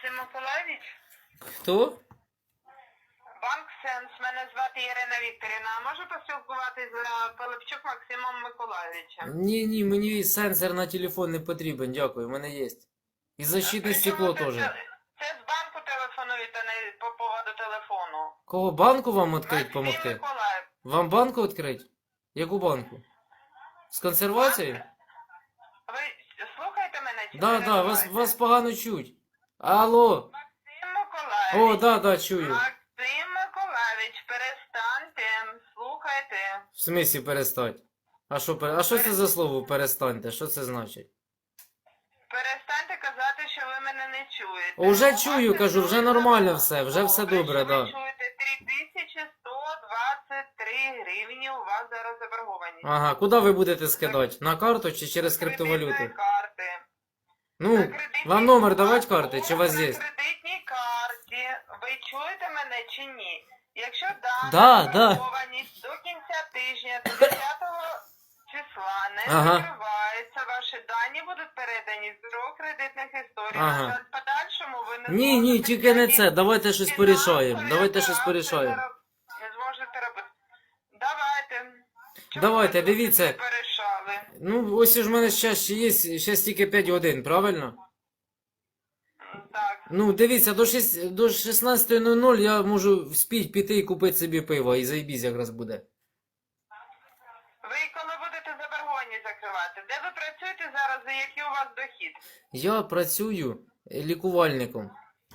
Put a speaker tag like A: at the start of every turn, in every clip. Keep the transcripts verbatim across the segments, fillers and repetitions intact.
A: Максим Миколаївич?
B: Хто?
A: Банк Сенс. Мене звати Ірина Вікторівна. А можу поспілкуватись з Пилипчук Максимом Миколаївичем?
B: Ні, ні, мені сенсор на телефон не потрібен, дякую, у мене є. І защитне стекло
A: Причому
B: теж.
A: Це, це з банку телефонуєте не по поводу телефону.
B: Кого, банку вам відкрити
A: Максим
B: помогти?
A: Миколаїв.
B: Вам банку відкрити? Яку банку? З консервацією?
A: Ви слухаєте мене чи
B: Да,
A: не
B: да, вас,
A: перебиваєте?
B: вас погано чуть. Алло.
A: Максим Миколаївич.
B: О, да, да, чую.
A: Максим Миколаївич, перестаньте. Слухайте.
B: В смислі перестать? А що, пере- а що це за слово перестаньте? Що це значить?
A: Перестаньте казати, що ви мене не чуєте.
B: О, вже
A: У вас
B: чую,
A: це
B: кажу, вже
A: дуже
B: нормально
A: добре.
B: все, вже все добре,
A: що
B: да.
A: Ви чуєте три тисячі сто двадцять три гривні у вас зараз заборгованість.
B: Ага, куди ви будете скидати? На карту чи через
A: Кредитної
B: криптовалюту?
A: карти.
B: Ну,
A: На кредитній
B: вам номер
A: карті.
B: давати карти, чи у вас є?
A: На кредитній карті. Ви чуєте мене чи ні? Якщо дана
B: Да, да.
A: заборгованість до кінця тижня, до десятого числа не
B: Ага.
A: закривається, ваші дані будуть передані з бюро кредитних історій.
B: Ага.
A: На жаль, в подальшому ви не
B: Ні, ні,
A: зможете
B: тільки не це,
A: ніякі
B: давайте щось
A: фінансові
B: порішаємо, давайте щось
A: операції
B: порішаємо.
A: не роб- Не зможете робити. Давайте. Чому
B: Давайте,
A: ви тут
B: дивіться.
A: не порішали?
B: Ну, ось ж в мене ще ще є, ще тільки п'ять годин, правильно?
A: Так.
B: Ну, дивіться, до, шість, до шістнадцятої нуль нуль я можу вспіть піти і купити собі пиво, і заїбісь якраз буде.
A: Ви коли будете заборгованість закривати? Де ви працюєте зараз і який у вас дохід?
B: Я працюю лікувальником.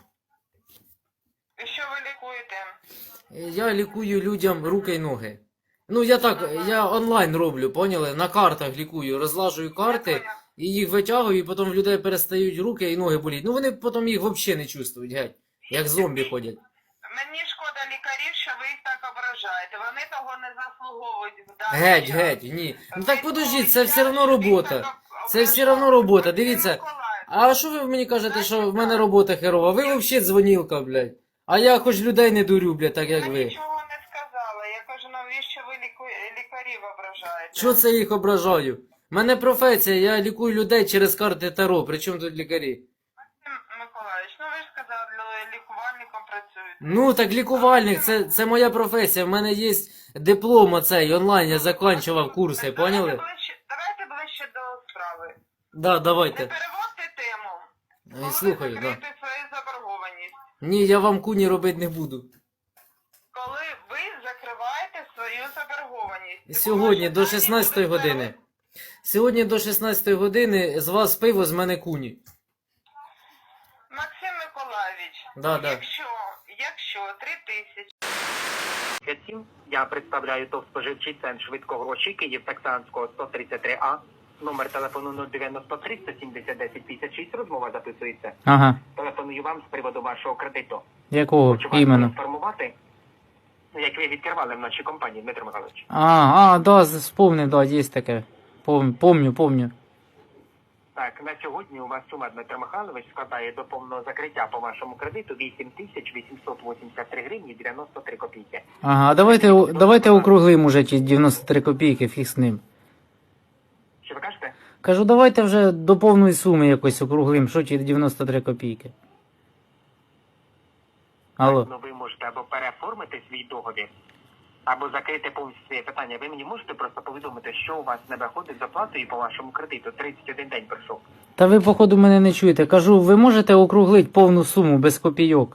A: І що ви лікуєте?
B: Я лікую людям руки й ноги. Ну, я так, я онлайн роблю, поняли? На картах лікую, розлажую карти, і їх витягую, і потім в людей перестають руки і ноги боліти. Ну, вони потім їх взагалі не чувствують, геть. Як зомбі ходять.
A: Мені шкода лікарів, що ви їх так ображаєте. Вони того не заслуговують в даний
B: Геть,
A: час.
B: геть, ні. Ну так
A: Ви
B: подождіть, це все
A: помічаєте,
B: одно
A: що їх
B: робота.
A: так
B: Це все
A: ображають.
B: одно робота,
A: Максим
B: дивіться.
A: Миколаївич,
B: А що ви мені кажете, що в мене робота херова? Ви взагалі дзвонілка, блядь. А я хоч людей не дурю, блядь, так як
A: Я
B: ви.
A: нічого не сказала. Я кажу, навіщо ви ліку... лікарів ображаєте?
B: Що це я їх ображаю? У мене професія, я лікую людей через карти Таро, при чому тут лікарі?
A: Максим Миколаївич, ну ви ж сказали, лі- лікувальником працюєте.
B: Ну так лікувальник, це, це моя професія, в мене є диплом оцей, онлайн, я закінчував курси, поняли?
A: Давайте ближче, давайте ближче до справи.
B: Да,
A: Не
B: давайте.
A: переводьте тему.
B: Е,
A: Коли
B: Слухаю,
A: ви
B: да.
A: закриєте свою заборгованість.
B: Ні, я вам куні робити не буду.
A: Коли ви закриваєте свою заборгованість.
B: Сьогодні до
A: Ваші дані
B: шістнадцятої
A: будуть
B: години.
A: перед-
B: Сьогодні до шістнадцятої години з вас пиво, з мене куні.
A: Максим Миколаївич,
B: Да, да.
A: якщо, якщо три тисячі
C: Я представляю ТОВ «Споживчий центр швидкого гроші Київ Таксанського сто тридцять три А. Номер телефону нуль дев'яносто три сто сімдесят десять п'ятдесят шість. Розмова записується.
D: Ага.
C: Телефоную вам з приводу вашого кредиту.
D: Якого
C: Хочу вас
D: іменно?
C: поінформувати, як ви відкривали в нашій компанії, Дмитро Михайлович.
D: А, а, да, вспомнив, да, є таке. Пом, помню, помню.
C: Так, на сьогодні у вас сума, Дмитро Михайлович, складає до повного закриття по вашому кредиту вісім тисяч вісімсот вісімдесят три гривні дев'яносто три копійки.
D: Ага, а давайте, давайте округлим уже ті дев'яносто три копійки, фіг з ним.
C: Що ви кажете?
D: Кажу, давайте вже до повної суми якось округлим, що ті дев'яносто три копійки. Алло.
C: Ну ви можете або переоформити свій договір, або закрити повністю своє питання. Ви мені можете просто повідомити, що у вас не виходить з оплатою по вашому кредиту. тридцять один день пройшов.
D: Та ви, походу, мене не чуєте. Кажу, ви можете округлити повну суму без копійок?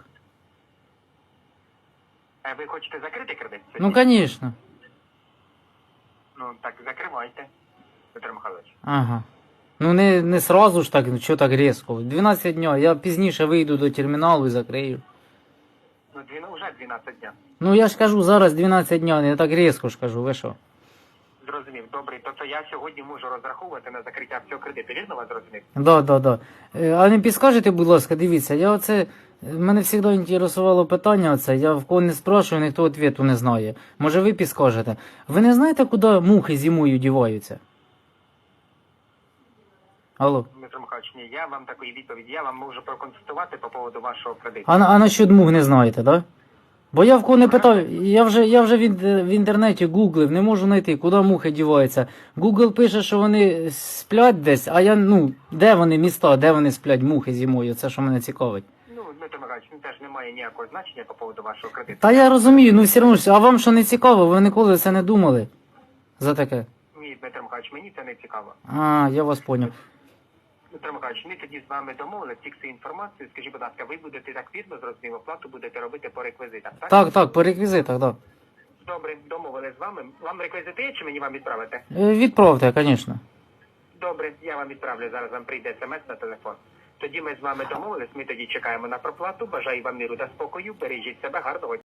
C: Е, Ви хочете закрити кредит?
D: Ну, звісно.
C: Ну так закривайте, Петро Михайлович.
D: Ага. Ну не, не сразу ж так, ну що так різко. дванадцять днів, я пізніше вийду до терміналу і закрию.
C: Ну дві, вже дванадцять дня.
D: Ну я ж кажу, зараз дванадцять днів, я так різко ж кажу, ви що?
C: Зрозумів, добре. Тобто я сьогодні можу розраховувати на закриття всього кредиту. Вірно вас зрозумів?
D: Да, да, да. Е, А не підскажете, будь ласка, дивіться, я оце, е, мене завжди інтересувало питання оце, я в кого не спрашиваю, ніхто відповіді не знає. Може ви підскажете? Ви не знаєте, куди мухи зимою діваються? Алло.
C: Дмитро Михайлович, ні, я вам такої відповіді, я вам можу проконсультувати по поводу вашого кредиту.
D: А, на- а насчет мух не знаєте, да? Бо я в кого не питав, я вже, я вже в, ін- в інтернеті гуглив, не можу знайти, куди мухи діваються. Google пише, що вони сплять десь, а я, ну, де вони міста, де вони сплять мухи зимою, це що мене цікавить.
C: Ну, Дмитро Михайлович, ну теж немає ніякого значення по поводу вашого кредиту.
D: Та я розумію, ну все одно ж, а вам що не цікаво, ви ніколи це не думали за таке?
C: Ні, Дмитро Михайлович, мені це не цікаво.
D: А, я вас поняв.
C: Дмитро Михайлович, ми тоді з вами домовилися, фіксуємо інформацію. Скажіть, будь ласка, ви будете так вірно, зрозуміло, оплату будете робити по реквізитах, так?
D: Так, так, по реквізитах, так.
C: Добре, домовились з вами. Вам реквізити є, чи мені вам відправити?
D: Да. Відправте, звісно.
C: Добре, я вам відправлю, зараз вам прийде смс на телефон. Тоді ми з вами домовились, ми тоді чекаємо на проплату. Бажаю вам миру та спокою, бережіть себе, гарного дня.